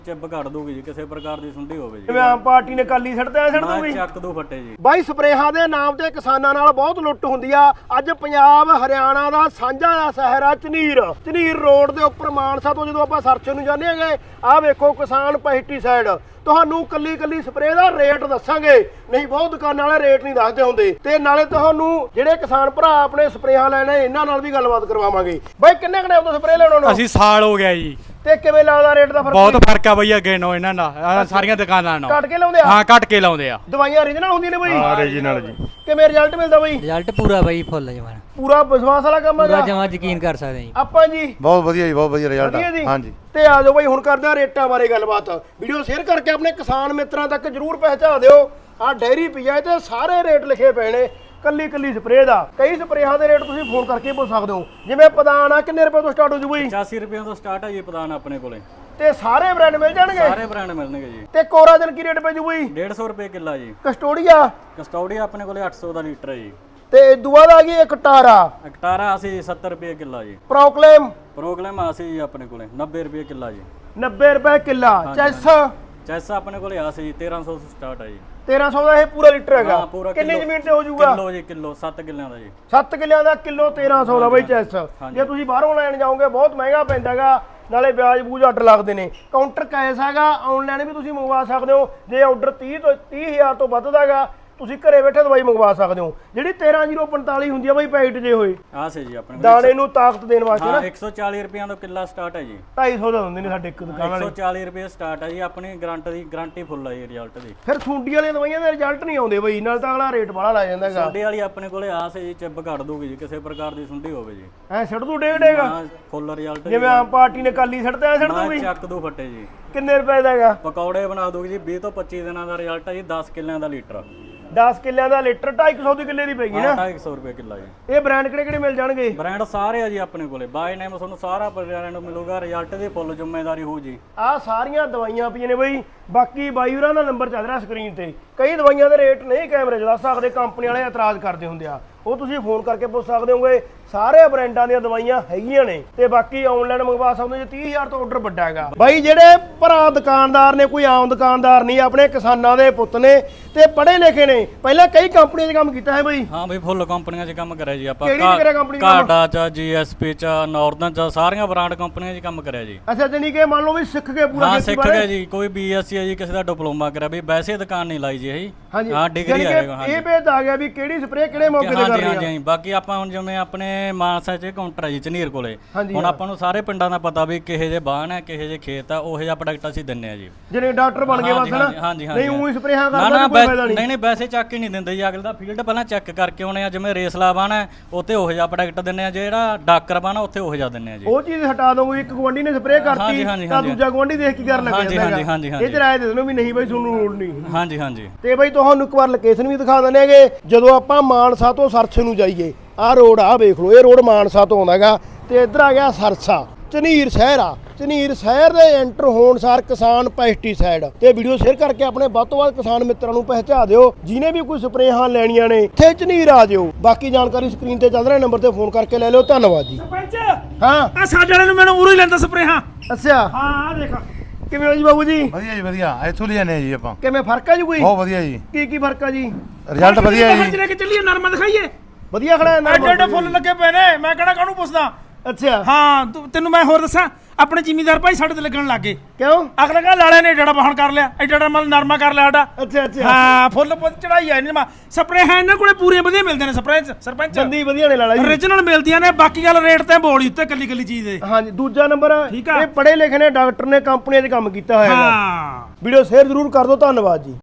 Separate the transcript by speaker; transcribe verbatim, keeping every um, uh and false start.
Speaker 1: ਚਿੱਬ ਕੱਢ ਦੂਗੀ ਜੀ ਕਿਸੇ ਪ੍ਰਕਾਰ ਦੀ ਸੁੰਡੀ ਹੋਵੇ ਜੀ।
Speaker 2: ਜਿਵੇਂ ਆਮ ਪਾਰਟੀ ਨੇ ਕਾਲੀ ਛੱਡਦੇ ਆ ਛੱਡ ਦੂਗੀ
Speaker 1: ਚੱਕ ਦੋ ਫੱਟੇ ਜੀ।
Speaker 2: ਬਾਈ ਸਪਰੇਹਾਂ ਦੇ ਨਾਮ ਤੇ ਕਿਸਾਨਾਂ ਨਾਲ ਬਹੁਤ ਲੁੱਟ ਹੁੰਦੀ ਆ। ਅੱਜ ਪੰਜਾਬ ਹਰਿਆਣਾ ਦਾ ਸਾਂਝਾ ਦਾ ਸ਼ਹਿਰ ਆ ਝਨੀਰ। ਝਨੀਰ ਰੋਡ ਦੇ ਉੱਪਰ ਮਾਨਸਾ ਤੋਂ ਜਦੋਂ ਆਪਾਂ ਸਰਚ ਨੂੰ ਜਾਂਦੇ ਹੈਗੇ, ਆਹ ਵੇਖੋ ਕਿਸਾਨ ਪੈਸਟੀਸਾਈਡ। ਤੁਹਾਨੂੰ ਕੱਲੀ ਕੱਲੀ ਸਪਰੇਅ ਦਾ ਰੇਟ ਦੱਸਾਂਗੇ, ਨਹੀਂ ਬਹੁਤ ਦੁਕਾਨਾਂ ਵਾਲੇ ਰੇਟ ਨਹੀਂ ਦੱਸਦੇ ਹੁੰਦੇ। ਤੇ ਨਾਲੇ ਤੁਹਾਨੂੰ ਜਿਹੜੇ ਕਿਸਾਨ ਭਰਾ ਆਪਣੇ ਸਪਰੇਹਾਂ ਲੈਣੇ ਇਹਨਾਂ ਨਾਲ ਵੀ ਗੱਲਬਾਤ ਕਰਵਾਵਾਂਗੇ। ਬਾਈ ਕਿੰਨੇ ਕਿੰਨੇ ਤੋਂ ਸਪਰੇਅ ਲੈਣਾ ਨੂੰ?
Speaker 3: ਅਸੀਂ ਸਾਲ ਹੋ ਗਿਆ ਜੀ।
Speaker 2: ਤੇ ਕਿਵੇਂ ਲੱਗਦਾ ਰੇਟ ਦਾ ਫਰਕ?
Speaker 3: ਬਹੁਤ ਫਰਕ ਆ ਬਈ ਅੱਗੇ ਨਾਲੋਂ ਇਹਨਾਂ ਦਾ, ਸਾਰੀਆਂ ਦੁਕਾਨਾਂ ਨਾਲੋਂ।
Speaker 2: ਕੱਟ ਕੇ ਲਾਉਂਦੇ ਆ?
Speaker 3: ਹਾਂ ਕੱਟ ਕੇ ਲਾਉਂਦੇ ਆ।
Speaker 2: ਦਵਾਈਆਂ ਓਰੀਜਨਲ ਹੁੰਦੀਆਂ ਨੇ ਬਈ?
Speaker 3: ਹਾਂ ਓਰੀਜਨਲ ਜੀ।
Speaker 2: ਕਿਵੇਂ ਰਿਜ਼ਲਟ ਮਿਲਦਾ ਬਈ?
Speaker 4: ਰਿਜ਼ਲਟ ਪੂਰਾ ਬਈ ਫੁੱਲ ਜਮਾਨ,
Speaker 2: ਪੂਰਾ ਵਿਸ਼ਵਾਸ ਵਾਲਾ ਕੰਮ ਹੈਗਾ?
Speaker 4: ਪੂਰਾ ਜਮਾ ਯਕੀਨ ਕਰ ਸਕਦੇ ਜੀ
Speaker 2: ਆਪਾਂ ਜੀ
Speaker 5: ਬਹੁਤ ਵਧੀਆ ਜੀ, ਬਹੁਤ ਵਧੀਆ ਰਿਜ਼ਲਟ ਆ। ਹਾਂਜੀ
Speaker 2: ਤੇ ਆ ਜਾਓ ਬਈ ਹੁਣ ਕਰਦੇ ਆ ਰੇਟਾਂ ਬਾਰੇ ਗੱਲਬਾਤ। ਵੀਡੀਓ ਸ਼ੇਅਰ ਕਰਕੇ ਆਪਣੇ ਕਿਸਾਨ ਮਿੱਤਰਾਂ ਤੱਕ ਜਰੂਰ ਪਹੁੰਚਾ ਦਿਓ। ਆ ਡੈਰੀ ਪੀਆ ਤੇ ਸਾਰੇ ਰੇਟ ਲਿਖੇ ਪਏ ਨੇ, ਕੱਲੀ ਕੱਲੀ ਸਪਰੇਅ ਦਾ। ਕਈ ਸਪਰੇਹਾਂ ਦੇ ਰੇਟ ਤੁਸੀਂ ਫੋਨ ਕਰਕੇ ਪੁੱਛ ਸਕਦੇ ਹੋ। ਜਿਵੇਂ ਪਦਾਨ ਆ ਕਿੰਨੇ ਰੁਪਏ ਤੋਂ ਸਟਾਰਟ ਹੋ ਜੂ ਬਈ?
Speaker 1: ਪਚਾਸੀ ਰੁਪਏ ਤੋਂ ਸਟਾਰਟ ਹੈ ਜੀ ਪਦਾਨ ਆਪਣੇ ਕੋਲੇ।
Speaker 2: ਤੇ ਸਾਰੇ ਬ੍ਰਾਂਡ ਮਿਲ ਜਾਣਗੇ?
Speaker 1: ਸਾਰੇ ਬ੍ਰਾਂਡ ਮਿਲਣਗੇ ਜੀ।
Speaker 2: ਤੇ ਕੋਰਾਜਨ ਕੀ ਰੇਟ ਪੈ ਜੂ ਬਈ?
Speaker 1: ਡੇਢ ਸੌ ਰੁਪਏ ਕਿੱਲਾ ਜੀ।
Speaker 2: ਕਸਟੋਡੀਆ?
Speaker 1: ਕਸਟੋਡੀਆ ਆਪਣੇ ਕੋਲੇ ਅੱਠ ਸੌ ਦਾ ਲੀਟਰ ਹੈ ਜੀ।
Speaker 2: ਤੇ ਦੁਆ ਦਾ ਆ ਗਈ ਇੱਕ ਟਾਰਾ।
Speaker 1: ਅਕਟਾਰਾ ਅਸੀਂ ਸੱਤਰ ਰੁਪਏ ਕਿੱਲਾ ਜੀ।
Speaker 2: ਪ੍ਰੋਕਲੇਮ?
Speaker 1: ਪ੍ਰੋਗਰਾਮ ਅਸੀਂ ਜੀ ਆਪਣੇ ਕੋਲੇ ਨੱਬੇ ਰੁਪਏ ਕਿੱਲਾ ਜੀ।
Speaker 2: ਨੱਬੇ ਰੁਪਏ ਕਿੱਲਾ। ਚੈਸ?
Speaker 1: ਚੈਸ ਆਪਣੇ ਕੋਲੇ ਆ ਸੀ ਤੇਰਾਂ ਸੌ ਤੋਂ ਸਟਾਰਟ ਹੈ ਜੀ।
Speaker 2: ਤੇਰਾਂ ਸੌ ਦਾ ਇਹ ਪੂਰਾ ਲੀਟਰ ਹੈਗਾ?
Speaker 1: ਹਾਂ, ਪੂਰਾ
Speaker 2: ਕਿੰਨੀ
Speaker 1: ਕਿੱਲੋ-
Speaker 2: ਜ਼ਮੀਨ ਤੇ ਹੋ ਜਾਊਗਾ?
Speaker 1: ਕਿਲੋ ਜੀ, ਕਿਲੋ ਸੱਤ ਕਿੱਲਿਆਂ ਦਾ ਜੀ।
Speaker 2: ਸੱਤ ਕਿੱਲਿਆਂ ਦਾ ਕਿਲੋ ਤੇਰਾਂ ਸੌ ਦਾ ਬਈ ਚੈਸ। ਜੇ ਤੁਸੀਂ ਬਾਹਰੋਂ ਲੈਣ ਜਾਓਗੇ ਬਹੁਤ ਮਹਿੰਗਾ ਪੈਂਦਾ ਹੈਗਾ, ਨਾਲੇ ਵਿਆਜ ਬੂਝ ਅੱਡ ਲੱਗਦੇ ਨੇ। ਕਾਊਂਟਰ ਕੈਸ਼ ਹੈਗਾ, ਆਨਲਾਈਨ ਵੀ ਤੁਸੀਂ ਮੰਗਵਾ ਸਕਦੇ ਹੋ। ਜੇ ਆਰਡਰ ਤੀਹ ਤੋਂ ਤੀਹ ਹਜ਼ਾਰ ਤੋਂ ਵੱਧਦਾ ਹੈਗਾ, ਤੁਸੀਂ ਘਰੇ ਬੈਠੇ ਦਵਾਈ ਮੰਗਵਾ ਸਕਦੇ ਹੋ। ਜਿਹੜੀ ਤੇਰਾਂ ਜ਼ੀਰੋ ਪੰਤਾਲੀ ਹੁੰਦੀ ਆ ਬਈ ਪੈਕਟ ਜੇ ਹੋਏ
Speaker 1: ਆ ਸੇ ਜੀ ਆਪਣੇ
Speaker 2: ਦਾਣੇ ਨੂੰ ਤਾਕਤ ਦੇਣ ਵਾਸਤੇ ਨਾ,
Speaker 1: ਇੱਕ ਸੌ ਚਾਲੀ ਰੁਪਏ ਤੋਂ ਕਿੱਲਾ ਸਟਾਰਟ ਹੈ ਜੀ।
Speaker 2: ਢਾਈ ਸੌ ਦਾ ਹੁੰਦੇ ਨੇ ਸਾਡੇ ਇੱਕ ਦੁਕਾਨ
Speaker 1: ਇੱਕ
Speaker 2: ਵਾਲੇ।
Speaker 1: ਸੌ ਚਾਲੀ ਰੁਪਏ ਸਟਾਰਟ ਹੈ ਜੀ। ਆਪਣੀ ਗਰੰਟੀ ਦੀ ਗਰੰਟੀ ਫੁੱਲ ਹੈ ਜੀ ਰਿਜ਼ਲਟ ਦੀ।
Speaker 2: ਫਿਰ ਸੁੰਡੀ ਵਾਲੀਆਂ ਦਵਾਈਆਂ ਦੇ ਰਿਜ਼ਲਟ ਨਹੀਂ ਆਉਂਦੇ ਬਈ, ਨਾਲ ਤਾਂ ਅਗਲਾ ਰੇਟ ਬਾਹਲਾ ਲਾ ਜਾਂਦਾ ਹੈਗਾ।
Speaker 1: ਸੁੰਡੀ ਵਾਲੀ ਆਪਣੇ ਕੋਲੇ ਆ ਸੇ ਜੀ, ਚਿੱਬ ਕੱਢ ਦੂਗੀ ਜੀ ਕਿਸੇ ਪ੍ਰਕਾਰ ਦੀ ਸੁੰਡੀ ਹੋਵੇ ਜੀ।
Speaker 2: ਐ ਛੱਡ ਦੂ ਡੇਗ ਡੇਗਾ?
Speaker 1: ਹਾਂ ਫੁੱਲ ਰਿਜ਼ਲਟ
Speaker 2: ਜਿਵੇਂ ਆਮ ਪਾਰਟੀ ਨੇ ਕਾਲੀ ਛੱਡਦੇ ਆ ਛੱਡ ਦੂਗੀ?
Speaker 1: ਚੱਕ ਦੋ ਫੱਟੇ ਜੀ।
Speaker 2: ਕਿੰਨੇ ਰੁਪਏ ਦਾ ਹੈਗਾ?
Speaker 1: ਪਕੌੜੇ ਬਣਾ ਦੂਗੀ ਜੀ। ਵੀਹ ਤੋਂ ਪੱਚੀ ਦਿਨਾਂ ਦਾ ਰਿਜ਼ਲਟ ਹੈ ਜੀ। ਦਸ ਕਿੱਲਿਆਂ ਦਾ ਲੀਟਰ।
Speaker 2: ਦਸ ਕਿੱਲਿਆਂ ਦਾ ਲੀਟਰ ਢਾਈ ਸੌ ਦੀ ਕਿੱਲੇ ਦੀ ਪੈਗੀ ਨਾ?
Speaker 1: ਢਾਈ ਸੌ ਰੁਪਏ ਕਿੱਲਾ ਜੀ।
Speaker 2: ਇਹ ਬ੍ਰਾਂਡ ਕਿਹੜੇ ਕਿਹੜੇ ਮਿਲ ਜਾਣਗੇ?
Speaker 1: ਬ੍ਰਾਂਡ ਸਾਰੇ ਆ ਜੀ ਆਪਣੇ ਕੋਲੇ। ਬਾਈ ਨੇਮ ਤੁਹਾਨੂੰ ਸਾਰਾ ਬ੍ਰਾਂਡ ਮਿਲੂਗਾ। ਰਿਜ਼ਲਟ ਦੀ ਫੁੱਲ ਜ਼ਿੰਮੇਵਾਰੀ ਹੋਊ ਜੀ।
Speaker 2: ਆਹ ਸਾਰੀਆਂ ਦਵਾਈਆਂ ਪਈਆਂ ਨੇ ਬਈ। ਬਾਕੀ ਬਾਈ ਹੋਰਾਂ ਦਾ ਨੰਬਰ ਚੱਲ ਰਿਹਾ ਸਕਰੀਨ ਤੇ। ਕਈ ਦਵਾਈਆਂ ਦੇ ਰੇਟ ਨਹੀਂ ਕੈਮਰੇ 'ਚ ਦੱਸ ਸਕਦੇ, ਕੰਪਨੀ ਵਾਲੇ ਇਤਰਾਜ਼ ਕਰਦੇ ਹੁੰਦੇ ਆ, ਉਹ ਤੁਸੀਂ ਫੋਨ ਕਰਕੇ ਪੁੱਛ ਸਕਦੇ ਹੋਗੇ। ਸਾਰੇ ਬ੍ਰਾਂਡਾਂ ਦੀਆਂ ਦਵਾਈਆਂ ਹੈਗੀਆਂ ਨੇ। ਤੇ ਬਾਕੀ ਆਨਲਾਈਨ ਮੰਗਵਾ ਸਕਦੇ ਹੋ ਜੇ ਤੀਹ ਹਜ਼ਾਰ ਤੋਂ ਆਰਡਰ ਵੱਡਾ ਹੈਗਾ। ਬਾਈ ਜਿਹੜੇ ਭਰਾ ਦੁਕਾਨਦਾਰ ਨੇ, ਕੋਈ ਆਮ ਦੁਕਾਨਦਾਰ ਨਹੀਂ, ਆਪਣੇ ਕਿਸਾਨਾਂ ਦੇ ਪੁੱਤ ਨੇ ਤੇ ਪੜ੍ਹੇ ਲਿਖੇ ਨੇ। ਪਹਿਲਾਂ ਕਈ ਕੰਪਨੀਆਂ 'ਚ ਕੰਮ ਕੀਤਾ ਹੈ ਬਈ?
Speaker 1: ਹਾਂ ਬਈ ਫੁੱਲ ਕੰਪਨੀਆਂ 'ਚ ਕੰਮ ਕਰਿਆ ਜੀ ਆਪਾਂ।
Speaker 2: ਕਿਹੜੀ ਕਿਹੜੀ ਕੰਪਨੀ 'ਚ ਕੰਮ?
Speaker 1: ਕਾਡਾ 'ਚ, ਜੀਐਸਪੀ 'ਚ, ਨਾਰਦਨ 'ਚ, ਸਾਰੀਆਂ ਬ੍ਰਾਂਡ ਕੰਪਨੀਆਂ 'ਚ ਕੰਮ ਕਰਿਆ ਜੀ।
Speaker 2: ਅੱਛਾ, ਜਾਨੀ ਕਿ ਮੰਨ ਲਓ ਵੀ ਸਿੱਖ ਕੇ ਪੂਰਾ
Speaker 1: ਹਾਂ
Speaker 2: ਖੇਤੀ
Speaker 1: ਸਿੱਖ
Speaker 2: ਬਾਰੇ?
Speaker 1: ਗਿਆ ਜੀ। ਕੋਈ ਬੀਐਸਸੀ ਹੈ ਜੀ, ਕਿਸੇ ਦਾ ਡਿਪਲੋਮਾ ਕਰਿਆ ਵੀ। ਵੈਸੇ ਦੁਕਾਨ ਨਹੀਂ ਲਾਈ ਜੀ ਇਹ।
Speaker 2: ਹਾਂਜੀ
Speaker 1: ਹਾਂ ਡਿਗਰੀ
Speaker 2: ਜਾਣੀ
Speaker 1: ਆਏਗਾ।
Speaker 2: ਕਿ ਇਹ ਭੇਦ ਆ ਗਿਆ ਵੀ ਕਿਹੜੀ ਸਪਰੇਅ ਕਿਹੜੇ ਮੌਕੇ ਤੇ
Speaker 1: ਹਾਂਜੀ
Speaker 2: ਕਰਨੀ
Speaker 1: ਹਾਂਜੀ
Speaker 2: ਆ।
Speaker 1: ਹਾਂਜੀ। ਬਾਕੀ ਆਪਾਂ ਹੁਣ ਜਿਵੇਂ ਆਪਣੇ ਮਾਨਸਾ 'ਚ ਕਾਊਂਟਰ ਹੈ ਜੀ ਝਨੀਰ ਕੋਲੇ।
Speaker 2: ਹਾਂਜੀ,
Speaker 1: ਹੁਣ
Speaker 2: ਹਾਂ।
Speaker 1: ਆਪਾਂ ਨੂੰ ਸਾਰੇ ਪਿੰਡਾਂ ਦਾ ਪਤਾ ਵੀ ਕਿਹੇ ਜੇ ਬਾਣ ਹੈ, ਕਿਹੇ ਜੇ ਖੇਤ ਆ, ਉਹੋ ਜਿਹਾ ਪ੍ਰੋਡਕਟ ਅਸੀਂ ਦਿੰਨੇ ਆ ਜੀ।
Speaker 2: ਜਿਹੜੇ ਡਾਕਟਰ ਬਣ ਗਏ ਬਸ ਨਾ?
Speaker 1: ਹਾਂਜੀ ਹਾਂਜੀ।
Speaker 2: ਨਹੀਂ ਉਹੀ ਸਪਰੇਹਾਂ
Speaker 1: ਨਾ
Speaker 2: ਕਰਦਾ
Speaker 1: ਨਾ
Speaker 2: ਕੋਈ ਫਾਇਦਾ ਨਹੀਂ?
Speaker 1: ਨਹੀਂ ਨਹੀਂ ਵੈਸੇ ਚੱਕ ਹੀ ਨਹੀਂ ਦਿੰਦੇ ਜੀ। ਅਗਲੇ ਦਾ ਫੀਲਡ ਪਹਿਲਾਂ ਚੈੱਕ ਕਰਕੇ ਆਉਣੇ ਆ। ਜਿਵੇਂ ਰੇਸਲਾ ਬਾਣ ਹੈ ਉੱਥੇ ਉਹੋ ਜਿਹਾ ਪ੍ਰੋਡਕਟ ਦਿੰਨੇ ਆ, ਜਿਹੜਾ ਡਾਕਰ ਬਾਣ ਉੱਥੇ ਉਹੋ ਜਿਹਾ ਦਿੰਨੇ ਆ ਜੀ।
Speaker 2: ਉਹ ਚੀਜ਼ ਹਟਾ ਦੋ। ਇੱਕ ਗਵਾਂਢੀ ਨੇ ਸਪਰੇਅ ਕਰਤੀ ਤਾਂ ਦੂਜਾ ਗਵਾਂਢੀ ਦੇਖ ਕੀ ਕਰਨ ਲੱਗ
Speaker 1: ਹਾਂਜੀ
Speaker 2: ਜਾਂਦਾ
Speaker 1: ਹਾਂਜੀ ਹਾਂਜੀ ਹਾਂਜੀ।
Speaker 2: ਇਹ ਚ ਰਾਏ ਦੇ ਦੇਣੋ ਵੀ ਨਹੀਂ ਬਈ ਤੁਹਾਨੂੰ ਲੋੜ ਨਹੀਂ।
Speaker 1: ਹਾਂਜੀ ਹਾਂਜੀ।
Speaker 2: ਤੇ ਬਈ ਤੁਹਾਨੂੰ ਇੱਕ ਵਾਰ ਲੋਕੇਸ਼ਨ ਵੀ ਦਿਖਾ ਦਿੰਦੇ ਹੈਗੇ। ਜਦੋਂ ਆਪਾਂ ਮਾਨਸਾ ਤੋਂ ਸਰਸੇ ਨੂੰ ਜਾਈਏ, ਆਹ ਰੋਡ ਆ ਵੇਖ ਲਓ, ਇਹ ਰੋਡ ਮਾਨਸਾ ਤੋਂ ਆਉਂਦਾ ਹੈਗਾ ਤੇ ਇੱਧਰ ਆ ਗਿਆ ਸਰਸਾ। ਝਨੀਰ ਸ਼ਹਿਰ ਆ। ਝਨੀਰ ਸ਼ਹਿਰ ਦੇ ਐਂਟਰ ਹੋਣ ਸਾਰ ਕਿਸਾਨ ਪੈਸਟੀਸਾਈਡ ਤੇ ਵੀਡੀਓ ਸ਼ੇਅਰ ਕਰਕੇ ਆਪਣੇ ਵੱਧ ਤੋਂ ਵੱਧ ਕਿਸਾਨ ਮਿੱਤਰਾਂ ਨੂੰ ਪਹੁੰਚਾ ਦਿਓ। ਜਿਹਨੇ ਵੀ ਕੋਈ ਸਪਰੇਹਾਂ ਲੈਣੀਆਂ ਨੇ ਇੱਥੇ ਝਨੀਰ ਆ ਜਿਓ। ਬਾਕੀ ਜਾਣਕਾਰੀ ਸਕਰੀਨ ਤੇ ਚੱਲ ਰਿਹਾ ਨੰਬਰ ਤੇ ਫੋਨ ਕਰਕੇ ਲੈ ਲਿਓ। ਧੰਨਵਾਦ ਜੀ।
Speaker 6: ਸਰਪੰਚ
Speaker 2: ਹਾਂ
Speaker 6: ਆ ਸਾਡੇ ਵਾਲੇ ਨੂੰ ਮੈਨੂੰ ਉਰੋਂ ਹੀ ਲੈਂਦਾ ਸਪਰੇਹਾਂ।
Speaker 2: ਅੱਛਾ,
Speaker 6: ਹਾਂ ਆ ਦੇਖ
Speaker 2: ਕਿਵੇਂ ਹੋ ਜੀ ਬਾਬੂ ਜੀ?
Speaker 5: ਵਧੀਆ ਜੀ, ਵਧੀਆ। ਇੱਥੋਂ ਲੈ ਜਾਂਦੇ ਜੀ ਆਪਾਂ।
Speaker 2: ਕਿਵੇਂ ਫਰਕ ਆ ਜੀ ਕੋਈ?
Speaker 5: ਬਹੁਤ ਵਧੀਆ ਜੀ,
Speaker 2: ਕੀ ਕੀ ਫਰਕ ਆ ਜੀ?
Speaker 5: ਰਿਜ਼ਲਟ ਵਧੀਆ ਜੀ।
Speaker 6: ਲੈ ਕੇ ਚੱਲੀਏ ਨਰਮਾ ਦਿਖਾਈਏ।
Speaker 2: ਵਧੀਆ ਖੜਾ ਹੈ
Speaker 6: ਐਡੇ ਐਡੇ ਫੁੱਲ ਲੱਗੇ ਪਏ ਨੇ। ਮੈਂ ਕਿਹੜਾ ਕਾਹਨੂੰ ਪੁੱਛਦਾ।
Speaker 2: ਅੱਛਾ,
Speaker 6: ਹਾਂ ਤੂੰ- ਤੈਨੂੰ ਮੈਂ ਹੋਰ ਦੱਸਾਂ, ਆਪਣੇ ਜ਼ਿਮੀਂਦਾਰ ਭਾਈ ਸਾਡੇ ਤੇ ਲੱਗਣ ਲੱਗੇ।
Speaker 2: ਕਿਉਂ?
Speaker 6: ਅਗਲੇ ਕਾ ਲਾਲੇ ਨੇ ਏਡਾ ਬਾਹਣ ਕਰ ਲਿਆ, ਏਡਾ ਏਡਾ ਮਲ ਨਰਮਾ ਕਰ ਲਿਆ ਸਾਡਾ।
Speaker 2: ਅੱਛਾ ਅੱਛਾ।
Speaker 6: ਹਾਂ ਫੁੱਲ ਪੁੱਤ ਚੜਾਈ ਆ ਇਹਨਾਂ ਸਪਰੇ ਹੈ। ਇਹਨਾਂ ਕੋਲੇ ਪੂਰੇ ਵਧੀਆ ਮਿਲਦੇ ਨੇ ਸਪਰੇ ਸਰਪੰਚ।
Speaker 2: ਜੰਦੀ ਵਧੀਆ ਨੇ ਲਾਲਾ ਜੀ।
Speaker 6: ਓਰੀਜਨਲ ਮਿਲਦੀਆਂ ਨੇ। ਬਾਕੀ ਗੱਲ ਰੇਟ ਤੇ ਬੋਲੀ ਉੱਤੇ ਕੱਲੀ ਕੱਲੀ ਚੀਜ਼ ਦੇ।
Speaker 2: ਹਾਂਜੀ, ਦੂਜਾ ਨੰਬਰ
Speaker 6: ਠੀਕ ਆ।
Speaker 2: ਇਹ ਪੜ੍ਹੇ ਲਿਖੇ ਨੇ, ਡਾਕਟਰ ਨੇ, ਕੰਪਨੀਆਂ 'ਚ ਕੰਮ ਕੀਤਾ ਹੋਇਆ ਹੈਗਾ।
Speaker 6: ਹਾਂ
Speaker 2: ਵੀਡੀਓ ਸ਼ੇਅਰ ਜ਼ਰੂਰ ਕਰ ਦਿਓ। ਧੰਨਵਾਦ ਜੀ।